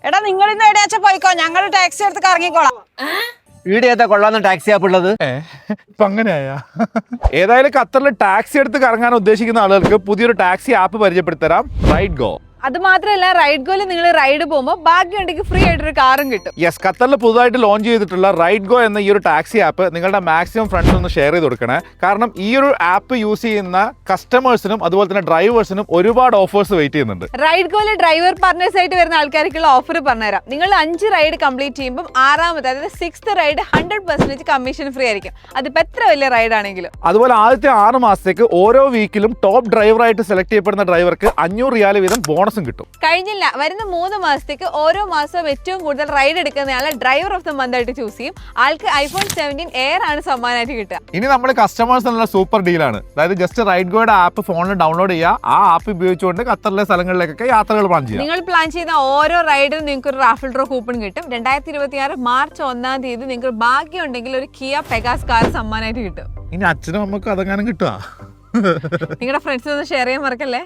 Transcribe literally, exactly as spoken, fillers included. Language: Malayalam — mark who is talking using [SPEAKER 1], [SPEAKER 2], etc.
[SPEAKER 1] എടാ നിങ്ങൾ ഇന്ന് എവിടെയാച്ചാ പോയിക്കോ, ഞങ്ങൾ ടാക്സി എടുത്ത് ഇറങ്ങിക്കോളാം.
[SPEAKER 2] ഈടെ ഏതാ കൊള്ളാന്ന് ടാക്സി ആപ്പ് ഉള്ളത്?
[SPEAKER 3] ഇപ്പൊ അങ്ങനെയാ. ഏതായാലും ഖത്തറിൽ ടാക്സി എടുത്ത് കറങ്ങാൻ ഉദ്ദേശിക്കുന്ന ആളുകൾക്ക് പുതിയൊരു ടാക്സി ആപ്പ് പരിചയപ്പെടുത്തരാം, റൈഡ് ഗോ.
[SPEAKER 4] അത് മാത്രമല്ല, റൈഡ് ഗോയിൽ നിങ്ങൾ റൈഡ് പോകുമ്പോൾ ഭാഗ്യമുണ്ടെങ്കിൽ ഫ്രീ ആയിട്ടൊരു കാറും കിട്ടും.
[SPEAKER 3] യെസ്, ഖത്തറിൽ പുതുതായിട്ട് ലോഞ്ച് ചെയ്തിട്ടുള്ള റൈഡ് ഗോ എന്ന ഈ ഒരു ടാക്സി ആപ്പ് നിങ്ങളുടെ മാക്സിമം ഫ്രണ്ട്സ് ഒന്ന് ഷെയർ ചെയ്ത് കൊടുക്കണേ. കാരണം ഈ ഒരു ആപ്പ് യൂസ് ചെയ്യുന്ന കസ്റ്റമേഴ്സിനും അതുപോലെ തന്നെ ഡ്രൈവേഴ്സിനും ഒരുപാട് ഓഫേഴ്സ് വെയിറ്റ് ചെയ്യുന്നുണ്ട്.
[SPEAKER 4] റൈഡ് ഗോയിലെ ഡ്രൈവർ പാർട്ട്നേഴ്സ് ആയിട്ട് വരുന്ന ആൾക്കാർക്കുള്ള ഓഫർ പറഞ്ഞുതരാം. നിങ്ങൾ അഞ്ച് റൈഡ് കംപ്ലീറ്റ് ചെയ്യുമ്പോൾ ആറാമത്തെ അതായത് sixth ride hundred percentage commission free ആയിരിക്കും. അതിപ്പോൾ എത്ര വലിയ റൈഡ് ആണെങ്കിലും.
[SPEAKER 3] അതുപോലെ ആദ്യത്തെ ആറ് മാസത്തേക്ക് ഓരോ വീക്കിലും ടോപ്പ് ഡ്രൈവറായിട്ട് സെലക്ട് ചെയ്യപ്പെടുന്ന ഡ്രൈവർക്ക് അഞ്ഞൂറ് റിയാൽ വീതം ബോണസും കിട്ടും.
[SPEAKER 4] കഴിഞ്ഞില്ല, വരുന്ന മൂന്ന് മാസത്തേക്ക് ഓരോ മാസവും ഏറ്റവും കൂടുതൽ റൈഡ് എടുക്കുന്നയാളെ ഡ്രൈവർ ഓഫ് ദ മന്ത് ആയിട്ട് ചൂസ് ചെയ്യും. ആൾക്ക് ഐഫോൺ സെവൻറ്റീൻ എയർ ആണ് സമ്മാനമായിട്ട് കിട്ടുക.
[SPEAKER 3] ഇനി നമ്മുടെ കസ്റ്റമേഴ്സ് എന്നുള്ള സൂപ്പർ ഡീലാണ്. അതായത് ജസ്റ്റ് റൈഡ് ഗോയുടെ ആപ്പ് ഫോണിൽ ഡൗൺലോഡ് ചെയ്യുക, ആ ആപ്പ് ഉപയോഗിച്ചുകൊണ്ട് ഖത്തറിലെ സ്ഥലങ്ങളിലേക്കൊക്കെ യാത്രകൾ പ്ലാൻ ചെയ്യുക.
[SPEAKER 4] നിങ്ങൾ പ്ലാൻ ചെയ്യുന്ന ഓരോ റൈഡിനും നിങ്ങൾക്ക് ഒരു റാഫിൾ ഡ്രോ കൂപ്പൺ കിട്ടും. രണ്ടായിരത്തി ഇരുപത്തി ആറ് മാർച്ച് ഒന്നാം തീയതി നിങ്ങൾക്ക് ഭാഗ്യം ഉണ്ടെങ്കിൽ ഒരു കിയ പെഗാസ് കാർ സമ്മാനമായിട്ട് കിട്ടും.
[SPEAKER 3] ഇനി അച്ഛനും അമ്മക്കും അതെങ്ങാനും കിട്ടുക.
[SPEAKER 4] നിങ്ങളുടെ ഫ്രണ്ട്സിനൊന്ന് ഷെയർ ചെയ്യാൻ മറക്കല്ലേ.